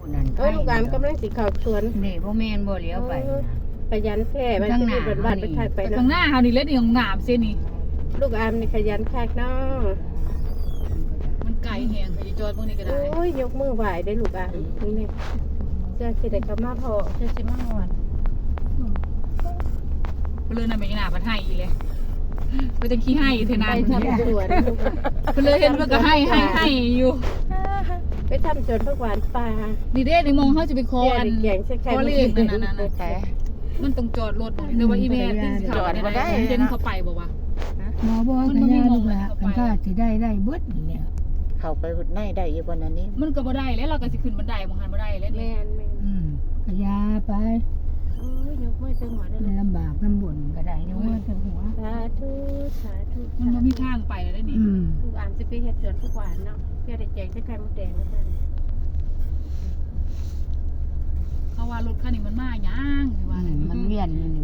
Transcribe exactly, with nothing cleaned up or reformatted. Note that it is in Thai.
นั่นโอ้ยลูกอามกำลังสิเข้าสวนนี่บ่แม่นบ่เลี้ยวไปขยันแท้มันจะมีบ้านๆไปคักไปข้างหเนาะน้าเฮานี่เลยนี่ของงามเส้นนี่ลูกอามนี่ขยันคักเนาะมันไกลแฮงไปจอดพวกนี้ก็ได้โอ้ยยกมือไหวได้ลูกอามนี่เจ้าสิได้กลับมาพอเจ้าสิมาฮอดเพิ่นเลยนำไปหน้าบัดให้อีเลยไปจังขี้ให้เทไปนานทำสวนลูกอะเพิ่นเลยเห็นเพิ่นก็ให้ให้ให้อยู่ไปทำสวนผักหวานป่านี่เด้ในมองเฮาจะไปคออันแกงใส่ไข่คอเลขนั่นๆๆแต่มันต้องจอดรถบ่แต่ว่าอีแม่ที่สิเข้าได้เห็นเขาไปบ่วะหมอบอกกันยาลูกหลานมันก็สิได้ได้เบิดนี่แหละเข้าไปในได้อยู่บนนั้นนี้มันก็บ่ได้แล้วเราก็สิขึ้นบันไดบ่หันบ่ได้แล้วนี่แม่นแม่นอืมก็ยาไปโอ้ยยกมือจังหวะได้มันเลยลำบากลำบนก็ได้ยกมือถึงหัวสาธุสาธุมันบ่มีทางไปแล้วได้นี่อืมลูกอามสิไปเฮ็ดสวนผักหวานเนาะเพื่อได้แจกใส่ไข่มดแดงแล้วกันเขาว่ารถคันนี้มันมาหยังว่าอืมมันเวียนอยู่นี่